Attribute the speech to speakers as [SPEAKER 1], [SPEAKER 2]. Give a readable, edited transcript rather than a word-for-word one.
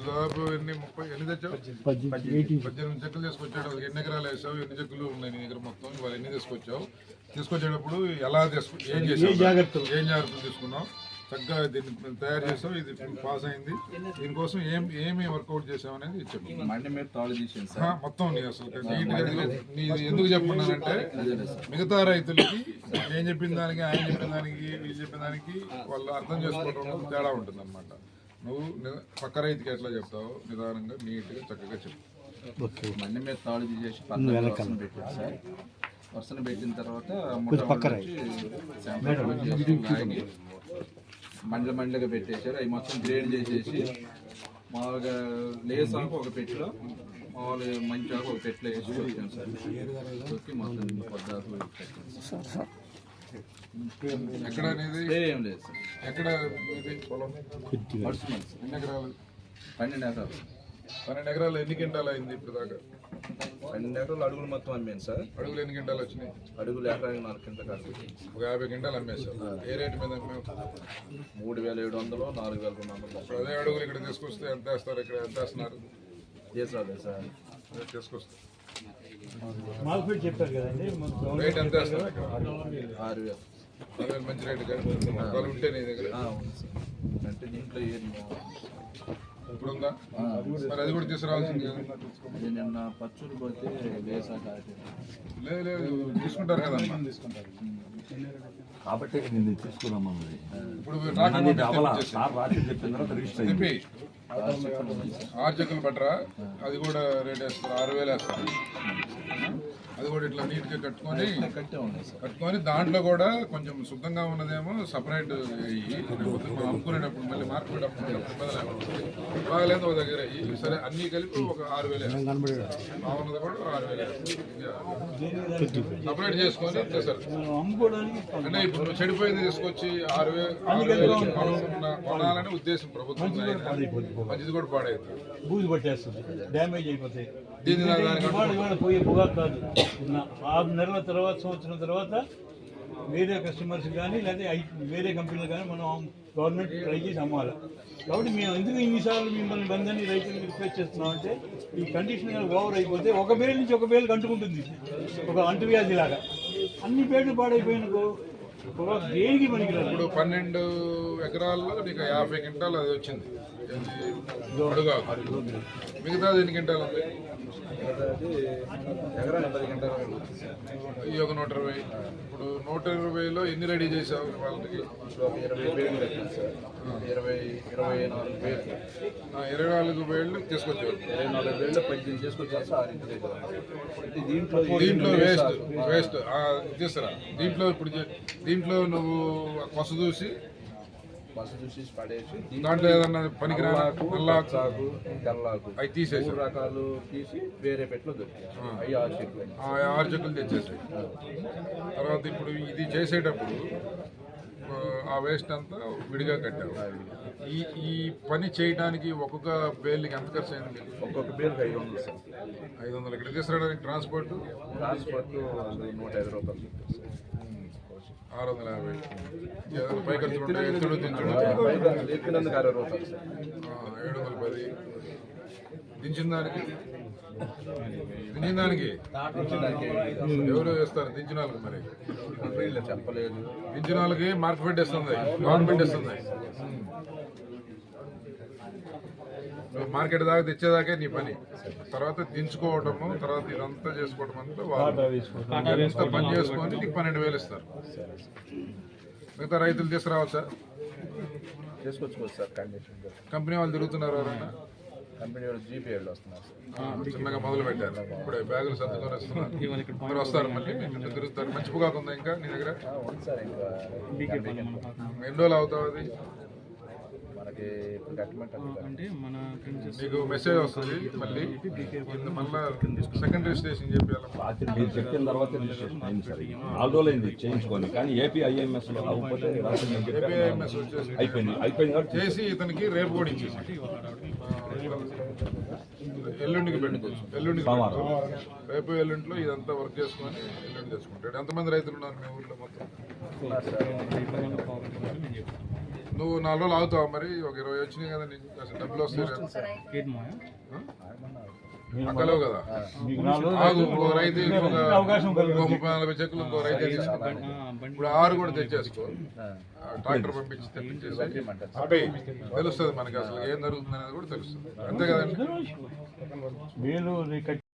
[SPEAKER 1] దాదాపు ఎన్ని తెచ్చావు? 18 చెక్కులు తీసుకొచ్చాడు. ఎన్ని ఎకరాలు వేసావు? ఎన్ని చెక్కులు ఉన్నాయి నీ దగ్గర మొత్తం? ఇవాళ ఎన్ని తీసుకొచ్చేటప్పుడు ఎలా ఏం చేసావు? ఏం జాగ్రత్తలు తీసుకున్నావు? చక్కగా దీన్ని తయారు చేసావు. ఇది పాస్ అయింది. దీనికోసం ఏమి వర్కౌట్ చేసావు అనేది చెప్పు మొత్తం. నీ అసలు ఎందుకు చెప్పుకున్నానంటే మిగతా రైతులకి నేను చెప్పిన దానికి, ఆయన చెప్పిన దానికి, వీళ్ళు చెప్పిన దానికి వాళ్ళు అర్థం చేసుకోవడం తేడా ఉంటుంది అనమాట. నువ్వు పక్క రైతుకి ఎట్లా చెప్తావు? నిదానంగా, నీట్గా, చక్కగా చెప్పు.
[SPEAKER 2] మండి మీద తాడు తీసేసి పెట్టారు సార్. వర్షం పెట్టిన తర్వాత మండలుగా పెట్టేశారు. అవి మొత్తం గ్రేడ్ చేసేసి మామూలుగా లేసాకు ఒక పెట్టిలో, మామూలుగా మంచి ఆకు ఒక పెట్టిలో వేసి వచ్చాను సార్. వచ్చి మొత్తం పొద్దాకు
[SPEAKER 1] ఎక్కడ అనేది
[SPEAKER 2] ఏం లేదు సార్.
[SPEAKER 1] ఎక్కడ ఎన్ని ఎకరాలు?
[SPEAKER 2] 12 ఎకరాలు.
[SPEAKER 1] 12 ఎకరాలు ఎన్ని క్వింటాలు అయింది ఇప్పుడు దాకా?
[SPEAKER 2] 12 ఎకరాలు అడుగులు మొత్తం అమ్మాను సార్.
[SPEAKER 1] అడుగులు ఎన్ని క్వింటాలు వచ్చినాయి?
[SPEAKER 2] అడుగులు ఎకరానికి 4 క్వింటాలు కాదు.
[SPEAKER 1] ఒక 50 క్వింటాలు అమ్మేశారు. ఏ రేటు మీద అమ్మావు?
[SPEAKER 2] 3700, 4200.
[SPEAKER 1] ఇప్పుడు అదే అడుగులు ఇక్కడ తీసుకొస్తే ఎంత వేస్తారు? ఇక్కడ ఎంత వేస్తున్నారు?
[SPEAKER 2] చేసాలి సార్.
[SPEAKER 1] తీసుకొస్తారు
[SPEAKER 3] చెప్పారు కదండి.
[SPEAKER 1] రేట్ ఎంత వేస్తారు?
[SPEAKER 2] 6000.
[SPEAKER 1] మంచి రేటు కదా ఉంటే నీ దగ్గర
[SPEAKER 2] అంటే దీంట్లో
[SPEAKER 1] ఇప్పుడు ఉందా? మరి అది కూడా తీసుకురావాల్సింది కదా.
[SPEAKER 2] అది నిన్న పచ్చూరు పోతే
[SPEAKER 1] లేదు తీసుకుంటారు కదమ్మా.
[SPEAKER 4] కాబట్టి నేను తీసుకున్నామన్నది.
[SPEAKER 1] ఇప్పుడు
[SPEAKER 4] చెప్పి
[SPEAKER 1] 6 చెక్కులు పట్టరా? అది కూడా రేట్ వేస్తారు. 6000 వేస్తారు. అది కూడా ఇట్లా నీట్గా కట్టుకొని దాంట్లో కూడా కొంచెం శుద్ధంగా ఉన్నదేమో సపరేట్ మనం అమ్ముకునేటప్పుడు మళ్ళీ మార్కెట్ అమ్ముకునేటప్పుడు బాగాలేదు ఒక దగ్గర సరే అన్నీ కలిపి ఒక 6000 బాగున్నది కూడా 6000 సపరేట్ చేసుకొని ఇచ్చేసారు. అంటే ఇప్పుడు నువ్వు చెడిపోయింది తీసుకొచ్చి 6000 కొనాలనే ఉద్దేశం ప్రభుత్వం. మంచిది కూడా పాడైతుంది,
[SPEAKER 3] బూజు పట్టేస్తుంది, డ్యామేజ్ అయిపోతాయి.
[SPEAKER 1] దీన్ని
[SPEAKER 3] పోయే పొగాకు కాదు. 6 నెలల తర్వాత, సంవత్సరం తర్వాత వేరే కస్టమర్స్ కానీ లేదా వేరే కంపెనీలు కానీ మనం గవర్నమెంట్ ట్రై చేసి అమ్మాలి. కాబట్టి మేము ఎందుకు ఇన్నిసార్లు మిమ్మల్ని బంధాన్ని రైతులకు రిక్వెస్ట్ చేస్తున్నాం అంటే ఈ కండిషన్ కానీ ఓవర్ అయిపోతే ఒక బేలు నుంచి ఒక బేలు అంటుకుంటుంది. ఒక అంటువ్యాధి లాగా అన్ని బేళ్లు పాడైపోయినకో పొగాకు దేనికి పనికిరాదు.
[SPEAKER 1] ఇప్పుడు 12 ఎకరాల్లో నీకు 50 క్వింటాలు అది వచ్చింది. మిగతాది ఎన్ని క్వింటాలు ఉంది? ఈ ఒక 120. ఇప్పుడు 120లో ఎన్ని రెడీ చేసావు వాళ్ళకి? 24 వేళ్ళు తీసుకొచ్చావు.
[SPEAKER 2] 24 వేళ్ళు 18 చేసుకొచ్చారు.
[SPEAKER 1] దీంట్లో వేస్ట్ తీసుకురా. దీంట్లో నువ్వు కొస చూసి
[SPEAKER 2] పడేసి
[SPEAKER 1] దాంట్లో ఏదన్నా పనికిరాకు
[SPEAKER 2] తెల్లాకు
[SPEAKER 1] అవి తీసేసి
[SPEAKER 2] రకాలు తీసి వేరే పెట్లో దొరికాయి.
[SPEAKER 1] 6 చెక్కులు తెచ్చేసాయి. తర్వాత ఇప్పుడు ఇది చేసేటప్పుడు ఆ వేస్ట్ అంతా విడిగా కట్టావు. ఈ పని చేయడానికి ఒక్కొక్క బేల్కి ఎంత ఖర్చు అయింది?
[SPEAKER 2] ఒక్కొక్క బేల్కి 500 సార్.
[SPEAKER 1] 500. ఇక్కడ తీసుకురావడానికి ట్రాన్స్పోర్ట్
[SPEAKER 2] 150 రూపాయలు.
[SPEAKER 1] 650. పై ఖర్చులు ఉంటాయి. ఎత్తుడు దించుడు
[SPEAKER 2] 60 రూపాయలు.
[SPEAKER 1] 710. దించిన దానికి ఎవరు వేస్తారు? దించిన వాళ్ళకి మరి
[SPEAKER 2] చెప్పలేదు.
[SPEAKER 1] దించిన వాళ్ళకి మార్కెట్ ఇస్తుంది, గవర్నమెంట్ ఇస్తుంది. మార్కెట్ దాకా తెచ్చేదాకే నీ పని. తర్వాత దించుకోవటము, తర్వాత ఇదంతా చేసుకోవటం అంతా వాళ్ళు ఎంత పని చేసుకొని నీకు 12,000 ఇస్తారు. మిగతా రైతులు తీసుకురావచ్చా?
[SPEAKER 2] తీసుకొచ్చుకోవచ్చు సార్.
[SPEAKER 1] కంపెనీ వాళ్ళు తిరుగుతున్నారు ఎవరైనా?
[SPEAKER 2] కంపెనీ వాళ్ళు జీపీ వాళ్ళు వస్తున్నారు సార్.
[SPEAKER 1] చిన్నగా మొదలు పెట్టారు. ఇప్పుడే బ్యాగులు సర్దుకొని వస్తున్నారు. అందరూ వస్తారు, మళ్ళీ తిరుగుతారు. మంచి పొగాకు ఉందా ఇంకా నీ దగ్గర?
[SPEAKER 2] ఉంది సార్. ఇంకా
[SPEAKER 1] ఎన్ని రోజులు అవుతావు అది?
[SPEAKER 2] మనకి
[SPEAKER 1] మీకు మెసేజ్ వస్తుంది మళ్ళీ సెకండ్ రిజిస్ట్రేషన్ చెప్పాలి.
[SPEAKER 4] రాత్రి మీరు చెప్పిన తర్వాత రిజిస్ట్రేషన్ అయింది సార్. 4 రోజులు అయింది చేయించుకొని. కానీ ఏపీఐఎంఎస్ లో అయిపోయింది
[SPEAKER 1] చేసి ఇతనికి రేపు కూడా ఇచ్చేసి ఎల్లుండికి పెట్టుకోవచ్చు. రేపు ఎల్లుండిలో ఇదంతా వర్క్ చేసుకొని ఎల్లుండి తెచ్చుకుంటాడు. ఎంతమంది రైతులు ఉన్నారు మీ ఊర్లో మొత్తం? నువ్వు 4 రోజులు ఆగుతావు మరి, ఒక 20 వచ్చినాయి కదా నీకు అసలు డబ్బులు వస్తాయి అక్కలేవు కదా.
[SPEAKER 3] మీకు 4 రోజులు
[SPEAKER 1] ఆగు, ఇంకో రైతు ఇంకొక
[SPEAKER 3] అవకాశం కలుగుతుంది.
[SPEAKER 1] 30-40 చెక్కులు ఇంకో రైతే తీసుకున్నాను. ఇప్పుడు 6 కూడా తెచ్చేసుకో, ట్రాక్టర్ పంపించి తెప్పించేసి అబ్బాయి తెలుస్తుంది మనకి అసలు ఏం జరుగుతుంది అనేది కూడా తెలుస్తుంది, అంతే కదండి.
[SPEAKER 3] మీరు